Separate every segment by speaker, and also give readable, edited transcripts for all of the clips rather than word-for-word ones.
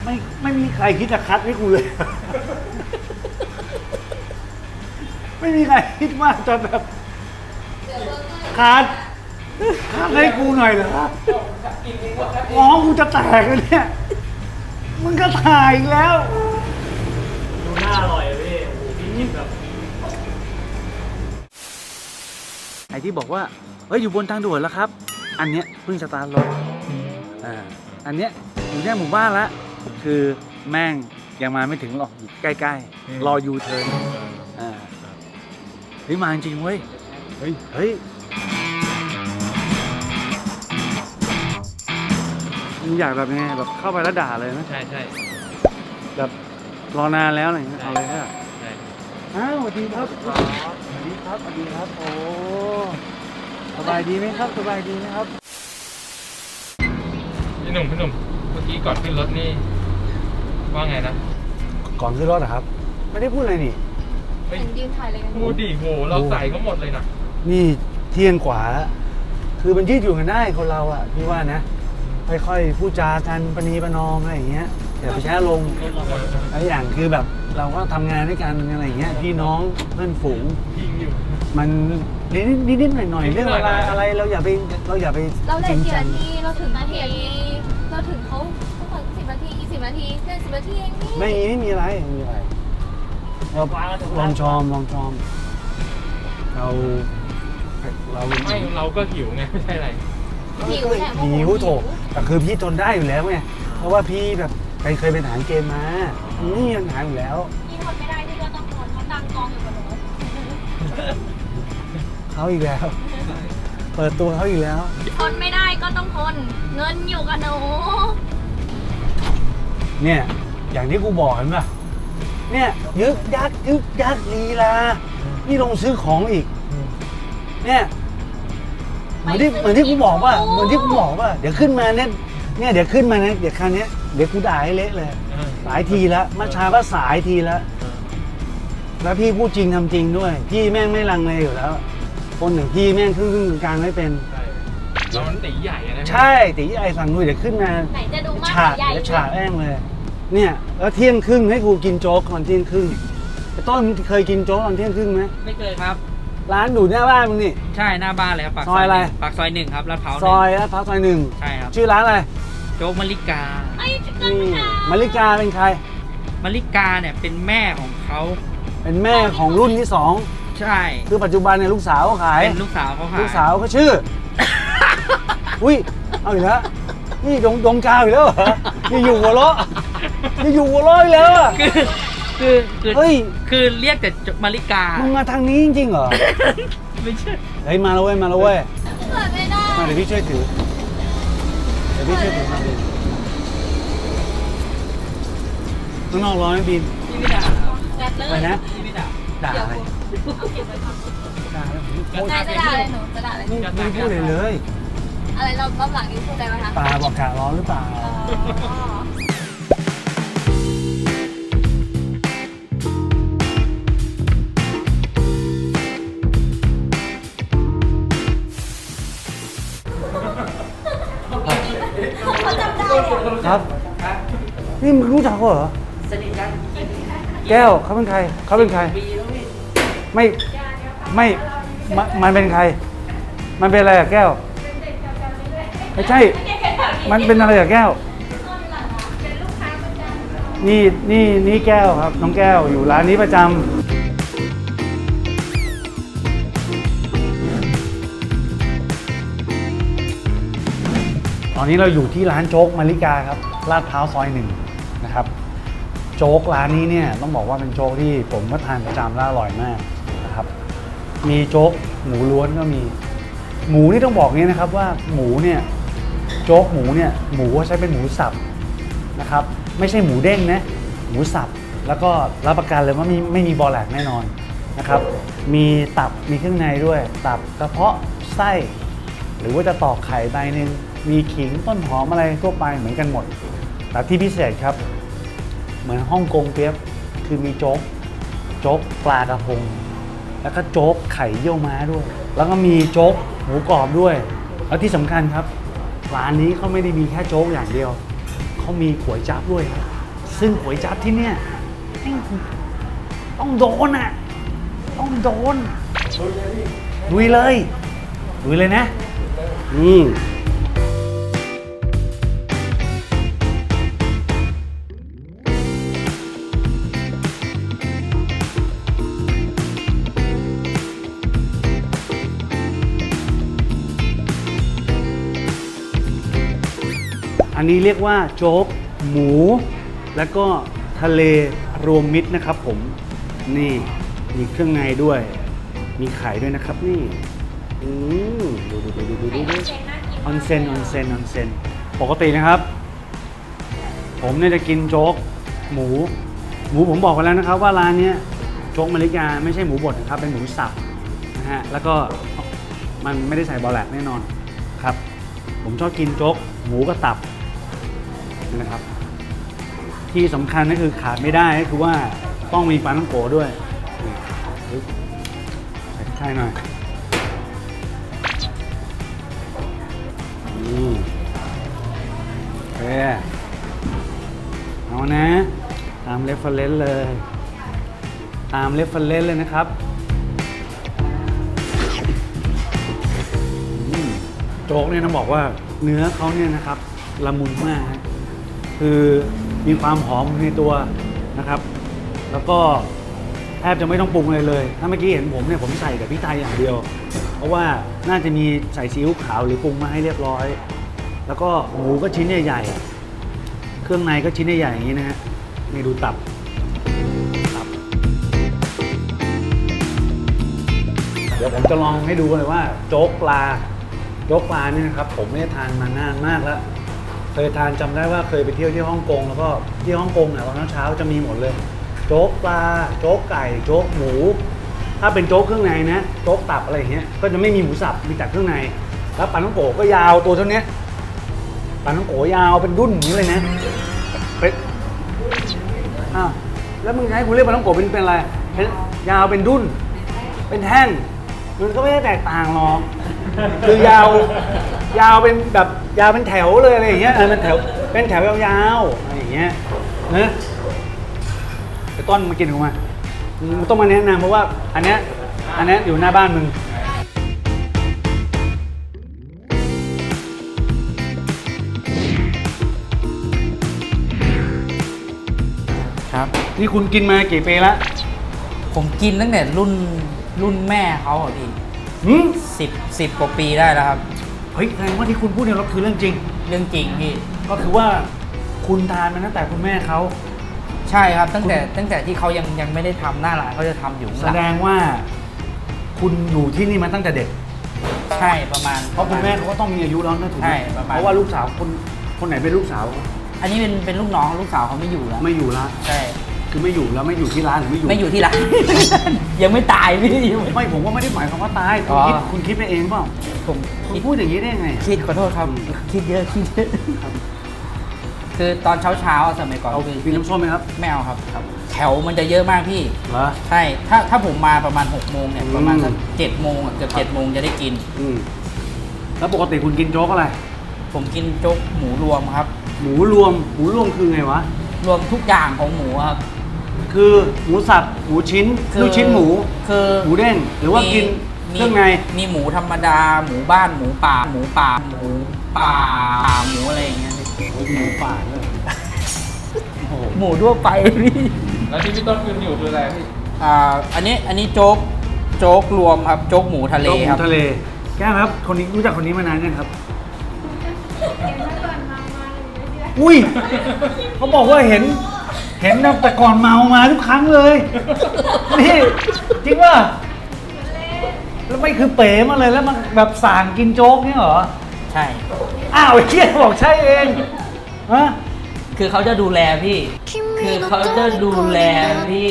Speaker 1: ไม่มีใครคิดจะคัดให้กูเลย ไม่มีใครคิดว่าจะแบบคัดให้กูหน่อยเหรอง้องกูจะแตกเลยเนี่ยมึงก็ถ่ายอีกแล้ว
Speaker 2: ดูน่าอร่อยพี่โอ้โหพี่กินแบบ
Speaker 1: ไอ้ที่บอกว่าเฮ้ยอยู่บนทางด่วนแล้วครับ อันเนี้ยเพิ่งสตาร์ทรถอันเนี้ยอยู่ในหมู่บ้านละคือแม่งยังมาไม่ถึงหรอกอยู่ใกล้ๆรอยูเทิร์นเฮ้ยมาจริงเว้ยเฮ้ยมึงอยากแบบไงแบบเข้าไปแล้วด่าเลยนะ
Speaker 2: ใช่ใช่
Speaker 1: แบบรอนานแล้วอะไรอย่างเงี้ยเอาเลยค่ะ
Speaker 2: ใช่
Speaker 1: อ้าวสวัสดีครับสวัสดีครับสวัสดีครับโอ้สบายดีไหมครับสบายดีไหมครับ
Speaker 2: พี่หนุ่มเมื่อกี้ก่อนขึ้นรถนี่ว่าไงนะ
Speaker 1: ก่อนขึ้นรถเหรอครับ ไม่ได้พูดอะไรนี่
Speaker 2: เฮ้ย
Speaker 3: เห็นยืนถ่ายอะไรกัน
Speaker 2: พูดดิโหเราใส่เขาหมดเลยนะ
Speaker 1: นี่เที่ยงกว่าแล้วคือมันยืดอยู่กันได้คนเราอ่ะพี่ว่านะค่อยๆพูดจากันประนีประนอมอะไรอย่างเงี้ยอย่าไปแช้ลงอะไรอย่างคือแบบเราก็ทำงานด้วยกันอะไรอย่างเงี้ยพี่น้องเพื่อนฝูง
Speaker 2: ยิงอยู่
Speaker 1: มันนิดๆหน่อยๆเรื่องอะไรเราอย่าไป
Speaker 3: เราเล
Speaker 1: จริ
Speaker 3: ย
Speaker 1: ง
Speaker 3: กี่
Speaker 1: จัง
Speaker 3: นาทีเราถึงนาทีเราถึงเขาทุกคน10 นาที20 นาทีแค่10 นาทีเองนี่
Speaker 1: ไม่มีอะไรเราลองชอมเรา
Speaker 2: ไม่เราก็หิวไงไม่ใช่อะไร
Speaker 3: หิวแหละ
Speaker 1: หิวโถแต่คือพี่ทนได้อยู่แล้วไงเพราะว่าพี่แบบเคยเป็นทหารเกณฑ์มานี่ยังหาอยู่แล้ว
Speaker 3: พี่ทนไม่ได้ที่ก็ต้องทนเขาตังกองอยู่กับหนู
Speaker 1: เขาอีกแล้ว เปิดตัวเขาอีกแล้ว
Speaker 3: ทนไม่ได้ก็ต้องทนเงินอยู่กับหนู
Speaker 1: เนี่ยอย่างที่กูบอกเห็นป่ะเนี่ยยึกยักลีลานี่ลงซื้อของอีกเนี่ยเหมือนที่กูบอกว่าเดี๋ยวขึ้นมาเนี่ยเดี๋ยวขึ้นมานะเดี๋ยวคราวนี้เดี๋ยวกูด่าให้เละเลยหลายทีแล้วเมื่อเช้าก็สายทีแล้วแล้วพี่พูดจริงทำจริงด้วยพี่แม่งไม่ลังเลอยู่แล้วคนหนึ่งพี่แม่งครึ่งกลางไม่เป็น
Speaker 2: เรามันตีใหญ่อะนะ
Speaker 1: ใช่ตีไอ้สั่งนุ้ยเดี๋ยวขึ้นมา
Speaker 3: ไหนจะดูมาก
Speaker 1: ฉาก
Speaker 3: ใหญ่
Speaker 1: เดี๋ยวฉากแอ้งเลย เนี่ยแล้วเที่ยงครึ่งให้กูกินโจ๊กตอนเที่ยงครึ่งไอ้ต้นเคยกินโจ๊กตอนเที่ยงครึ่งไหม
Speaker 4: ไม่เคยครับ
Speaker 1: ร้านอยู่หน้าบ้านมึงนี่
Speaker 4: ใช่หน้าบ้านเลยครับปาก
Speaker 1: ซอยอะไร
Speaker 4: ปากซอยหนึ่งครับลาดพร้าว
Speaker 1: ซอยลาดพร้าวซอย 1
Speaker 4: ใช่ครับ
Speaker 1: ชื่อร้านอะไร
Speaker 4: โจ๊กมะลิกา
Speaker 3: ไอ้จะเกิน
Speaker 1: นี่
Speaker 3: ค่ะ
Speaker 1: มาริกาเป็นใคร
Speaker 4: มะลิกาเนี่ยเป็นแม่ของเขา
Speaker 1: เป็นแม่ของรุ่นที่
Speaker 4: ใช่
Speaker 1: 2คือปัจจุบันเนี่ยลูกสาวเขาขาย
Speaker 4: เป็นลูกสาวเขาค่ะ
Speaker 1: ลูกสาวเขาชื่อ อุ้ยเอาอีกแล้วนี่ดงกาวอีกแล้วเหรอนี่อยู่หัวเราะนี่อยู่หัวเราะอีกแล้วอะ
Speaker 4: คือ
Speaker 1: เฮ้ย
Speaker 4: คือเรียกแต่มะลิกา
Speaker 1: มึงมาทางนี้จริงๆเหรอ
Speaker 4: ไม่ใช่
Speaker 1: เฮ้ยมาแล้วเว้ยมาแล้วเว้ย
Speaker 3: เกิดไม่ได้
Speaker 1: มาเดี๋ยวพี่ช่วยถือมาดิข้างนอกร้อนไหมบิน
Speaker 4: พี่ไม่ด่าครับ
Speaker 3: แกเล
Speaker 1: ไป
Speaker 3: ย
Speaker 1: นะ
Speaker 4: พี่ไม่ด่า
Speaker 1: ด่าอะไรด่าอะไรโอ๊ย
Speaker 3: นายจะด่าอะไรหนูจะด่าอะไร
Speaker 1: ไม่พูดเลยเลย
Speaker 3: อะไรเรารอบหลังนี้พูดอะไรไหมคะ
Speaker 1: ปลาบอกกะร้อนหรือเปล่า
Speaker 3: อ๋อ
Speaker 1: ครับ นี่มึงรู้จักเขาเหรอ
Speaker 4: สนิทกัน
Speaker 1: แก้วเขาเป็นใครเขาเป็นใคร
Speaker 4: ปีแล้วพี่
Speaker 1: ไม่มันเป็นใคร มันเป็นอะไรอะแก้วไม่ใช่ มันเป็นอะไรอะแก้วนี่แก้วครับน้องแก้วอยู่ร้านนี้ประจำตอนนี้เราอยู่ที่ร้านโจ๊กมาริกาครับลาดพร้าวซอย 1นะครับโจ๊กร้านนี้เนี่ยต้องบอกว่าเป็นโจ๊กที่ผมก็ทานประจำแล้วอร่อยมากนะครับมีโจ๊กหมูล้วนก็มีหมูนี่ต้องบอกงี้นะครับว่าหมูเนี่ยโจ๊กหมูเนี่ยหมูใช้เป็นหมูสับนะครับไม่ใช่หมูเด้งนะหมูสับแล้วก็รับประกันเลยว่าไม่มีบอแหลกแน่นอนนะครับมีตับมีเครื่องในด้วยตับกระเพาะไส้หรือว่าจะตอกไข่ใบหนึ่งมีขิงต้นหอมอะไรทั่วไปเหมือนกันหมดแต่ที่พิเศษครับเหมือนฮ่องกงเปี๊ยบคือมีโจ๊กปลากระพงแล้วก็โจ๊กไข่เยี่ยวม้าด้วยแล้วก็มีโจ๊กหมูกรอบด้วยแล้วที่สำคัญครับร้านนี้เขาไม่ได้มีแค่โจ๊กอย่างเดียวเขามีก๋วยจั๊บด้วยครับซึ่งก๋วยจั๊บที่เนี่ยแม่งต้องโดนอ่ะต้องโดนลุยเลยลุยเลยนะอันนี้เรียกว่าโจ๊กหมูแล้วก็ทะเลรวมมิตรนะครับผมนี่มีเครื่องในด้วยมีไข่ด้วยนะครับนี่ดูออนเซนปกตินะครับผมเนี่ยจะกินโจ๊กหมูผมบอกไปแล้วนะครับว่าร้านนี้โจ๊กมะลิกาไม่ใช่หมูบดนะครับเป็นหมูสับนะฮะแล้วก็มันไม่ได้ใส่บอแลกแน่นอนครับผมชอบกินโจ๊กหมูกับตับนะครับที่สำคัญก็คือขาดไม่ได้ก็คือว่าต้องมีปลาท่องโกด้วยใส่หน่อยโอเคเอานะตามเรฟเฟอเรนซ์เลยตามเรฟเฟอเรนซ์เลยนะครับโจ๊กเนี่ยต้องบอกว่าเนื้อเขาเนี่ยนะครับละมุนมากคือมีความหอมในตัวนะครับแล้วก็แทบจะไม่ต้องปรุงอะไรเลยถ้าเมื่อกี้เห็นผมเนี่ยผมใส่แต่พริกไทยอย่างเดียวเพราะว่าน่าจะมีใส่ซีอิ๊วขาวหรือปรุงมาให้เรียบร้อยแล้วก็หมูก็ชิ้นใหญ่ๆเครื่องในก็ชิ้นใหญ่ๆอย่างนี้นะฮะนี่ดูตับเดี๋ยวผมจะลองให้ดูเลยว่าโจ๊กปลานี่นะครับผมไม่ได้ทานมานานมากแล้วเคยทานจำได้ว่าเคยไปเที่ยวที่ฮ่องกงแล้วก็ที่ฮ่องกงเนี่ยตอนเช้าจะมีหมดเลยโจ๊กปลาโจ๊กไก่โจ๊กหมูถ้าเป็นโจ๊กเครื่องในนะโจ๊กตับอะไรอย่างเงี้ยก็จะไม่มีหมูสับมีแต่เครื่องในแล้วปลาท่องโกก็ยาวตัวเท่านี้ปลาท่องโกยาวเป็นดุ้นอย่างนี้เลยนะเป็นอ้าวแล้วมึงให้กูเรียกปลาท่องโกเป็นอะไรยาวเป็นดุ้นเป็นแท่งมันก็ไม่ได้แตกต่างหรอกคือยาวเป็นแบบยาวเป็นแถวเลยอะไรอย่างเงี้ยเป็นแถวยาวๆอะไรอย่างเงี้ยนะไอ้ต้นมากินกูมามึงต้องมาแนะนำเพราะว่าอันเนี้ยอยู่หน้าบ้านมึง
Speaker 4: ครับ
Speaker 1: นี่คุณกินมากี่ปีแล้ว
Speaker 4: ผมกินตั้งแต่รุ่นแม่เขาอ่ะพี่สิบกว่าปีได้แล้วครับ
Speaker 1: เฮ้ยแสดงว่าที่คุณพูดเนี่ยเราคือเรื่องจริง
Speaker 4: เรื่องจริงพี่
Speaker 1: ก็คือว่าคุณทานมาตั้งแต่คุณแม่เขา
Speaker 4: ใช่ครับตั้งแต่ที่เขายังไม่ได้ทำหน้าร้านเขาจะทำอยู่ข้างห
Speaker 1: แส
Speaker 4: ลัง
Speaker 1: ดงว่าคุณอยู่ที่นี่มาตั้งแต่เด็ก
Speaker 4: ใช่ประมาณ
Speaker 1: เพราะคุณแม่เขาก็ต้องมีอายุแล้วนะถูกไหม
Speaker 4: ใช่ประมาณ
Speaker 1: เพราะว่าลูกสาวคนไหนเป็นลูกสาว
Speaker 4: อันนี้เป็นลูกน้องลูกสาวเขาไม่อยู่แล้ว
Speaker 1: ไม่อยู่ละ
Speaker 4: ใช่
Speaker 1: คือไม่อยู่แล้วไม่อยู่ที่ร้านหรือไม่อยู่
Speaker 4: ไม่อยู่ที่ร้าน ยังไม่ตายพี่
Speaker 1: ไม่ผมว่าไม่ได้หมายความว่าตายคุณคิดไปเองเปล่า
Speaker 4: ผม
Speaker 1: คุณพูดอย่างนี้ได้ยังไง
Speaker 4: คิดขอโทษครับคิดเยอะคือตอนเช้าสมัยก่อน
Speaker 1: เอา
Speaker 4: คือ
Speaker 1: กินน้ำส้มไหมครับ
Speaker 4: ไม่เอาครับ แถวมันจะเยอะมากพี่
Speaker 1: เหรอ
Speaker 4: ใช่ถ้าผมมาประมาณ6 โมงเนี่ยประมาณสัก7 โมงเกือบ7 โมงจะได้กิน
Speaker 1: แล้วปกติคุณกินโจ๊กอะไร
Speaker 4: ผมกินโจ๊กหมูรวมครับ
Speaker 1: หมูรวมคือไงวะ
Speaker 4: รวมทุกอย่างของหมูครับ
Speaker 1: คือหมูสับหมูชิ้น
Speaker 4: คือ
Speaker 1: ลูกชิ้นหมู
Speaker 4: คือ
Speaker 1: หมูเด้งหรือว่ากินเครื่องใน
Speaker 4: มีหมูธรรมดา หมูบ้านหมูป่าหมูอะไรอย่างเงี้ย
Speaker 1: หมูป่าด้วยโอ้โห
Speaker 4: หมูทั่วไปพี่
Speaker 2: แล้วที่พี่ต้นกินอยู่คืออะไรพี่
Speaker 4: อันนี้โจ๊กรวมครับโจ๊กหมูทะเล
Speaker 1: โจ๊กห
Speaker 4: ค
Speaker 1: มู
Speaker 4: รับ
Speaker 1: ทะเลแก้มครับคนนี้รู้จักคนนี้มานานยังครับ อุ้ยเขาบอกว่าเห็นแต่ก่อนเมามาทุกครั้งเลยนี่จริงป่ะแล้วไม่คือเป๋มาเลยแล้วมันแบบสั่งกินโจ๊กนี่เหรอ
Speaker 4: ใช่
Speaker 1: อ้าวไอ้เหี้ยบอกใช่เองฮะ
Speaker 4: คือเขาจะดูแลพี่ คือเขาจะดูแลพี่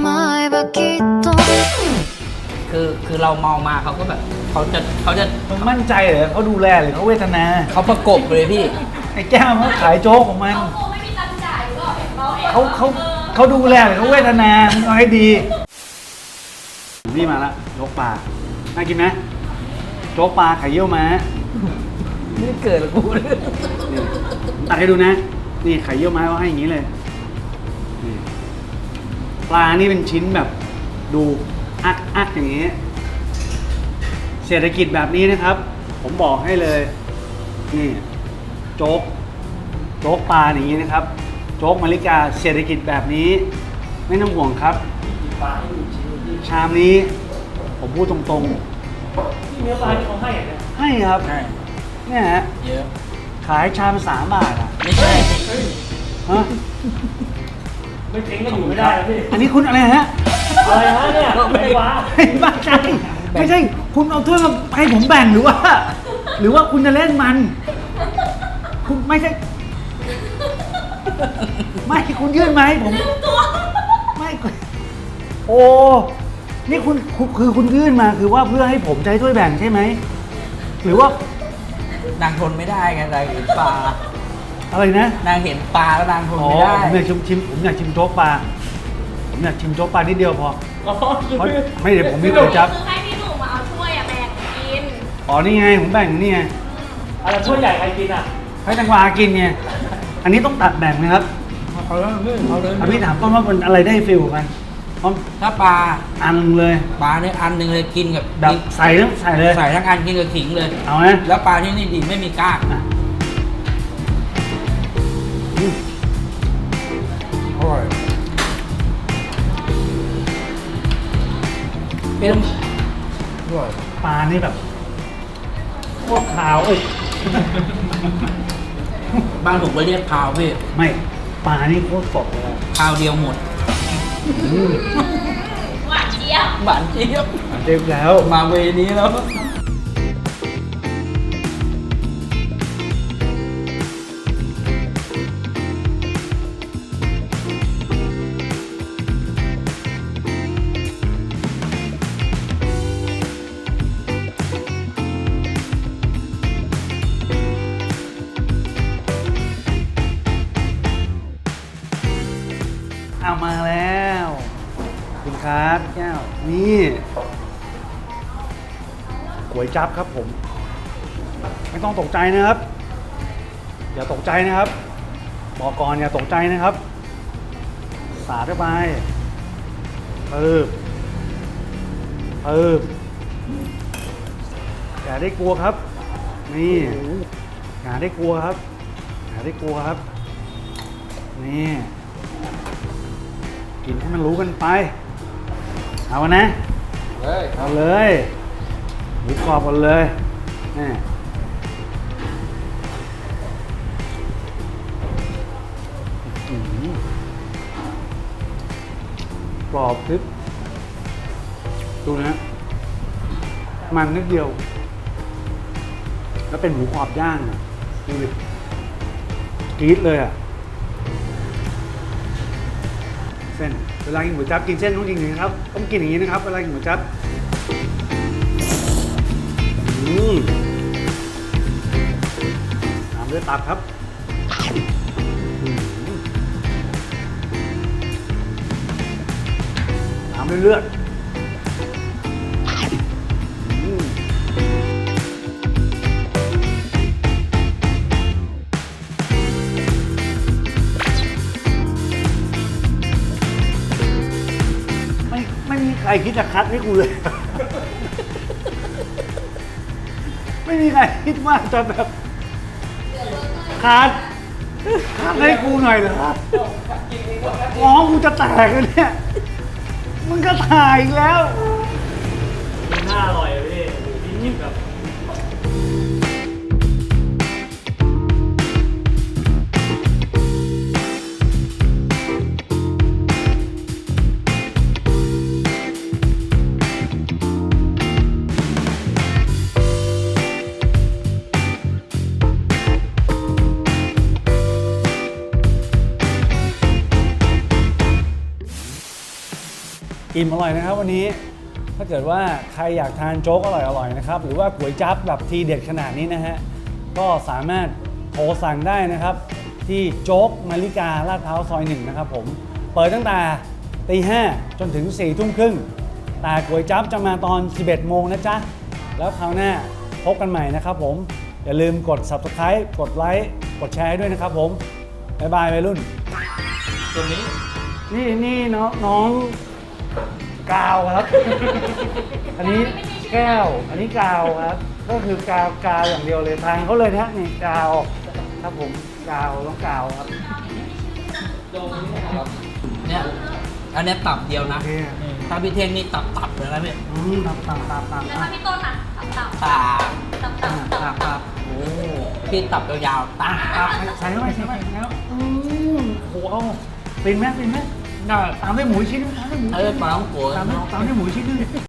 Speaker 4: คือเราเมามาเขาก็แบบเขาจะ
Speaker 1: มึงมั่นใจเหรอเขาดูแลหรือเขาเวทนา
Speaker 4: เขาประกบเลยพี่
Speaker 1: ไอ้แก้วเขาขายโจ๊กของมัน
Speaker 3: เขาไม่มีตังค์จ่ายก็เห็นเราเอง
Speaker 1: เขาดูแลหรือเขาเวทนามึงเอาให้ดีนี่มาละโจ๊กปลาน่ากินไหมโจ๊กปลาไข่เยี่ยวม้า
Speaker 4: ไม่ได้เกิดหรอกกูเลย
Speaker 1: นี่ผมตัดให้ดูนะ นี่ไข่เยี่ยวม้าเขาให้อย่างนี้เลยนี่ปลานี่เป็นชิ้นแบบดูอักอย่างนี้ เศรษฐกิจแบบนี้นะครับ ผมบอกให้เลย นี่โจ๊กปลาอย่างนี้นะครับ โจ๊กมาริกาเศรษฐกิจแบบนี้ ไม่ต้องห่วงครับ ชามนี้ ผมพูดตรงๆ
Speaker 5: ที่เนื้อปลาที่เขาให้อะเนี่ย
Speaker 1: ให้ครับ
Speaker 4: ใช่
Speaker 1: เนี่ยฮะ
Speaker 4: เยอะ
Speaker 1: ขายชาม3 บาทอ่ะ
Speaker 4: ไม่ใช่
Speaker 1: ฮะ
Speaker 5: ไม่เจ๊งก็อยู่ไม่ได้แล้วพี่
Speaker 1: อันนี้คุณอะไรฮะ
Speaker 5: อะไรฮะเนี่ยไม่ว้า
Speaker 1: ไม่ใช่ไม่ใช่ คุณเอาถ้วยมาให้ผมแบ่งหรือว่า หรือว่าคุณจะเล่นมัน คุณไม่ใช่ ไม่คุณยื่นมาให้ผมไม่โอ้นี่คือคุณยื่นมาคือว่าเพื่อให้ผมใช้ถ้วยแบ่งใช่ไหมหรือว่าน
Speaker 4: างทนไม่ได้ไงนางเห็นปลา
Speaker 1: อะไรนะ
Speaker 4: นางเห็นปลาแล้วนางทน
Speaker 1: อ๋อ
Speaker 4: ไม่ได้
Speaker 1: ผมอยากชิมผมอยากชิมโจ๊กปลาผมอยากชิมโจ๊กปลานิดเดียวพอ
Speaker 5: อ๋อคือ
Speaker 1: เพราะไม่เดี๋ยวผมมีก๋วยจั๊บ
Speaker 3: คือให้พี่หนุ่มมาเอาถ้วยอะแบ่งกิน
Speaker 1: อ๋อนี่ไงผมแบ่งนี่ไง
Speaker 5: อะไรถ้วยใหญ่ใครกินอ่ะ
Speaker 1: ให้แตงกวากินไงอันนี้ต้องตัดแบ่งนะครับ
Speaker 4: เขาเลยเขาเลย
Speaker 1: พี่ถามต้นว่ามันอะไรได้ฟิลกันเพราะ
Speaker 4: ถ้าปลา
Speaker 1: อันหนึ่งเลย
Speaker 4: ปลาเนี่ยอันหนึ่งเลยกินกับ
Speaker 1: แบบใส่ทั้งใส่เลย
Speaker 4: ใส่ทั้งอันกินกับขิงเลย
Speaker 1: เอาไหม
Speaker 4: แล้วปลาที่นี่ดีไม่มีกล้าง
Speaker 1: อ่ะอืม
Speaker 4: อร่อยเป็นอร่อย
Speaker 1: ปลานี่แบบโคตรขาวเอ้ย
Speaker 4: บ้านผมก็เรียกพาวพี่
Speaker 1: ไม่ปลานี่โคตรสดเลยอะ
Speaker 4: พาวเดียวหมด
Speaker 1: อืม
Speaker 3: หวานเจี๊ยบ
Speaker 4: หวานเจี๊ยบ
Speaker 1: เด็กแล้ว
Speaker 4: มาเวนี้แล้ว
Speaker 1: เอามาแล้วขอบคุณครับแก้วนี่ก๋วยจั๊บครับผม ไม่ต้องตกใจนะครับ อย่าตกใจนะครับบอกก่อนอย่าตกใจนะครับ สาดเข้าไปอย่าได้กลัวครับ นี่อย่าได้กลัวครับอย่าได้กลัวครับนี่กินให้มันรู้กันไปเอานะเอาเลยหมูกรอบกันเลยนี่อื้อหือกรอบพริบดูนะมันนิดเดียว แล้วเป็นหมูกรอบย่างอะดูดิกรี๊ดเลยอ่ะ เส้นเวลากินหมูจั๊บกินเส้นต้องกินอย่างนี้ครับต้องกินอย่างนี้นะครับเวลากินหมูจั๊บตามด้วยตับครับตามด้วยเลือดไม่มีใครคิดจะคัดให้กูเลย ไม่มีใครคิดว่าจะแบบคัดให้กูหน่อยเหรอง้อกูจะแตกเลยเนี่ยมึงก็ถ่ายอีกแล้ว
Speaker 5: มันน่าอร่อยอะพี่โอ้โหพี่จิ้มแบบ
Speaker 1: อิ่มอร่อยนะครับวันนี้ถ้าเกิดว่าใครอยากทานโจ๊กอร่อยๆนะครับหรือว่าก๋วยจั๊บแบบทีเด็ดขนาดนี้นะฮะก็สามารถโทรสั่งได้นะครับที่โจ๊กมาริกาลาดพร้าวซอย 1นะครับผมเปิดตั้งแต่ตี 5จนถึง 4 ทุ่มครึ่งแต่ก๋วยจั๊บจะมาตอน 11 โมงนะจ๊ะแล้วคราวหน้าพบกันใหม่นะครับผมอย่าลืมกด Subscribe กดไลค์กดแชร์ให้ด้วยนะครับผมบ๊ายบายวัยรุ่น
Speaker 2: ตัวนี้
Speaker 1: นี่น้องกาวครับ อันนี้แก้ว อันนี้กาวครับ ก็คือกาวอย่างเดียวเลยทางเขาเลยนะนี่กาวครับผมกาวต้องกาวครับ
Speaker 4: เนี่ยอันเนี้ยตับเดียวนะ
Speaker 1: โอเค
Speaker 4: ถ้าพี่เท่งนี่ตับเลยนะพี่
Speaker 1: ตับ
Speaker 3: แล้วถ้าพี่ต้นอ่ะตับ
Speaker 4: ตับ
Speaker 3: ตับ
Speaker 4: โอ้พี่ตับยาวๆตับ
Speaker 1: ใส่เข้าไปแล้วโอ้โหเอาเป็นไหม
Speaker 4: ได้
Speaker 1: ตามด้วยหมูอีกชิ้นนึงตามด้วยหมู
Speaker 4: ปลาต้องโกะ
Speaker 1: ตามด้วยหมูอีกชิ้นนึง